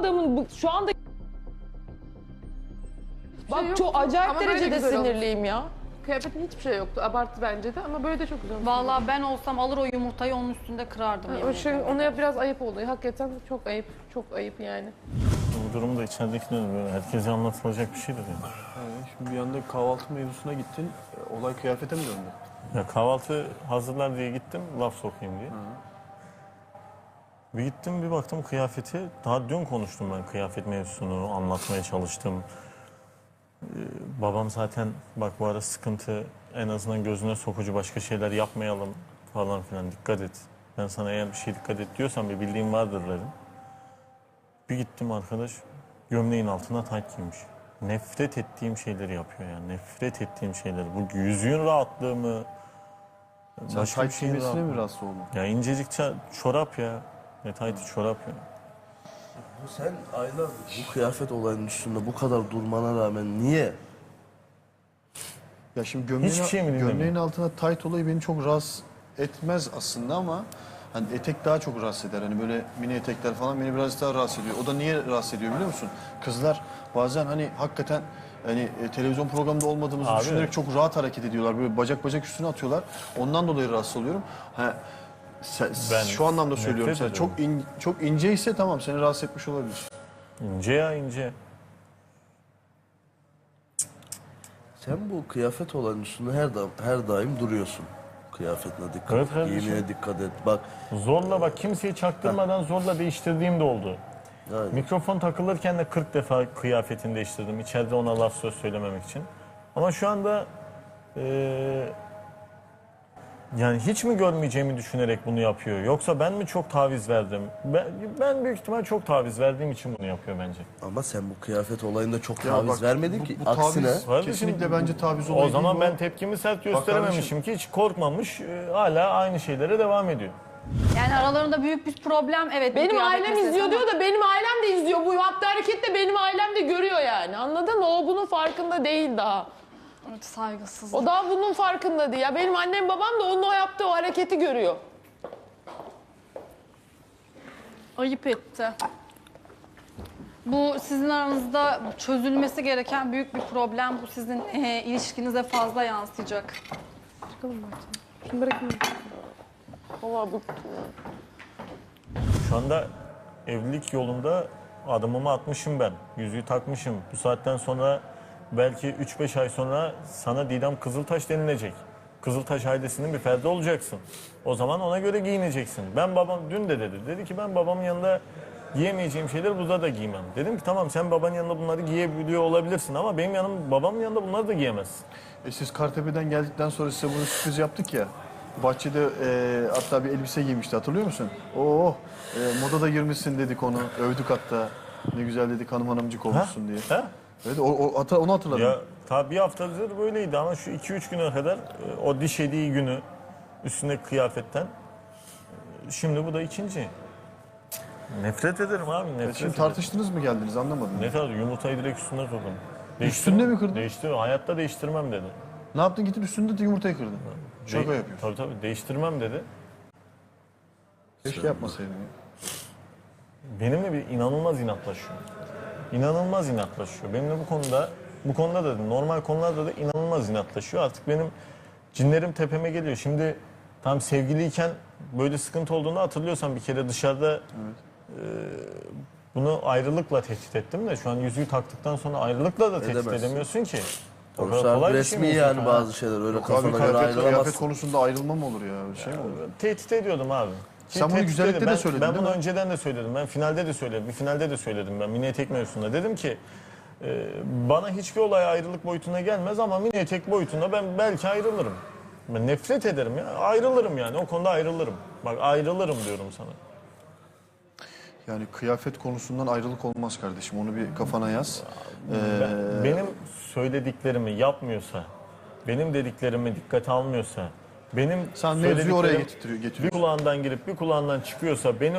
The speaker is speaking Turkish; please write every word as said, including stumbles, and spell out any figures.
adamın bu, şu anda... Bak şey çok acayip ama böyle derecede güzel olmuş. sinirliyim ya. Kıyafetin hiçbir şey yoktu. Abartı bence de ama böyle de çok güzel olmuş. Vallahi ben olsam alır o yumurtayı onun üstünde kırardım. Ha, yemin o şey, ediyorum. ona biraz ayıp oldu. Hakikaten çok ayıp. Çok ayıp yani. Bu durumu da içeridekine böyle herkese anlatılacak bir şeydir yani. Yani şimdi bir anda kahvaltı mevzusuna gittin. e, Olay kıyafete mi döndü? Ya kahvaltı hazırlar diye gittim, laf sokayım diye. Bir gittim bir baktım kıyafeti, daha dün konuştum ben kıyafet mevzusunu, anlatmaya çalıştım. Ee, babam zaten bak bu ara sıkıntı, en azından gözüne sokucu başka şeyler yapmayalım falan filan, dikkat et. Ben sana eğer bir şey dikkat et diyorsam bir bildiğim vardır dedim. Bir gittim arkadaş, gömleğin altına tayt giymiş. Nefret ettiğim şeyleri yapıyor yani, nefret ettiğim şeyleri. Bu yüzüğün rahatlığı mı? Sen tayt giymesine mi rahatsız oldun? Ya incecik ça- çorap ya. Ne tayti çorap ya. Sen aylardır bu kıyafet olayının üstünde bu kadar durmana rağmen niye? Ya şimdi gömleğin, Hiçbir şey mi dinlemiyor? gömleğin altına tayt olayı beni çok rahatsız etmez aslında ama hani etek daha çok rahatsız eder. Hani böyle mini etekler falan beni biraz daha rahatsız ediyor. O da niye rahatsız ediyor biliyor musun? Kızlar bazen hani hakikaten hani e, televizyon programında olmadığımızı Abi. düşünerek çok rahat hareket ediyorlar. Böyle bacak bacak üstüne atıyorlar. Ondan dolayı rahatsız oluyorum. Ha, sen- Ben şu anlamda nefret söylüyorum sana. ediyorum. Çok in, çok ince ise tamam seni rahatsız etmiş olabilir. İnce ya ince. Sen bu kıyafet olayının üstünde her da her daim duruyorsun. Kıyafetine dikkat Evet et, kardeşim. giyimine dikkat et. Bak Zorla bak kimseyi çaktırmadan zorla değiştirdiğim de oldu. yani, Mikrofon takılırken de kırk defa kıyafetini değiştirdim. İçeride ona laf söz söylememek için. Ama şu anda eee, yani hiç mi görmeyeceğimi düşünerek bunu yapıyor? Yoksa ben mi çok taviz verdim? Ben, ben büyük ihtimal çok taviz verdiğim için bunu yapıyor bence. ama sen bu kıyafet olayında çok Ya taviz bak, vermedin bu- ki. bu Aksine taviz- Kardeşim, Kesinlikle bence taviz olayı O zaman değil bu. ben tepkimi sert kardeşim. gösterememişim ki hiç korkmamış. e, hala aynı şeylere devam ediyor. Yani aralarında büyük bir problem evet. bu Benim kıyafet ailem meselesi izliyor ama- diyor da benim ailem de izliyor. Bu yaptığı hareketi de benim ailem de görüyor yani. Anladın mı? O bunun farkında değil daha. Evet, saygısız. O daha bunun farkında değil. Ya benim annem babam da onun o yaptığı o hareketi görüyor. Ayıp etti. Bu sizin aranızda çözülmesi gereken büyük bir problem. Bu sizin e, ilişkinize fazla yansıyacak. Şunu bırakayım. Vallahi bu... Şu anda evlilik yolunda adımımı atmışım ben. Yüzüğü takmışım. Bu saatten sonra belki üç beş ay sonra sana Didem Kızıltaş denilecek. Kızıltaş ailesinin bir ferdi olacaksın. O zaman ona göre giyineceksin. Ben babam dün de dedi. Dedi ki ben babamın yanında giyemeyeceğim şeyleri burada da giymem. Dedim ki tamam sen babanın yanında bunları giyebiliyor olabilirsin ama benim yanım babamın yanında bunları da giyemezsin. E siz Kartepe'den geldikten sonra size bunu sürpriz yaptık ya. Bahçede e, hatta bir elbise giymişti hatırlıyor musun? Oh e, moda da girmişsin dedik onu. Övdük hatta. Ne güzel dedik hanım hanımcık olmuşsun diye. Ha? Evet o, o, hata- onu hatırladım. Ya tabii bir haftadır böyleydi ama şu iki üç güne kadar e, o diş hediği günü üstündeki kıyafetten e, şimdi bu da ikinci. Nefret ederim abi nefret E, Şimdi ederim. tartıştınız mı geldiniz anlamadım. Ne kadar yumurtayı direkt üstüne kırdım. Üstünde mi kırdın? Değiştir, hayatta değiştirmem dedi. Ne yaptın gittin üstünde de yumurtayı kırdın. Şaka De- yapıyorsun. Tabii tabii değiştirmem dedi. Keşke yapmasaydın ya. Benimle bir inanılmaz inatlaşıyor. İnanılmaz inatlaşıyor. Benimle bu konuda, bu konuda da normal konularda da inanılmaz inatlaşıyor. Artık benim cinlerim tepeme geliyor. Şimdi tam sevgiliyken böyle sıkıntı olduğunu hatırlıyorsan bir kere dışarıda e, bunu ayrılıkla tehdit ettim de şu an yüzüğü taktıktan sonra ayrılıkla da tehdit Edemezsin. edemiyorsun ki. O Yoksa kadar kolay bir şey resmi mi yani yüzük? bazı şeyler öyle Abi kafana göre kıyafet, kıyafet ayrılamazsın. konusunda ayrılma mı olur ya? Öyle şey mi olur? Tehdit ediyordum abi. Ki Sen bunu tehdit güzellikte ediyordum. de Ben- söyledin, Ben değil bunu mi? önceden de söyledim. Ben finalde de söyledim. Bir finalde de söyledim ben mini etek mevzusunda. Dedim ki e, bana hiçbir olay ayrılık boyutuna gelmez ama mini etek boyutunda ben belki ayrılırım. Ben nefret ederim ya. Ayrılırım yani. O konuda ayrılırım. Bak ayrılırım diyorum sana. Yani kıyafet konusundan ayrılık olmaz kardeşim. Onu bir kafana yaz. Ee, Ben- benim söylediklerimi yapmıyorsa, benim dediklerimi dikkate almıyorsa, benim Sen mevzuyu oraya söylediklerim getiriyor- bir getiriyorsun. kulağından girip bir kulağından çıkıyorsa beni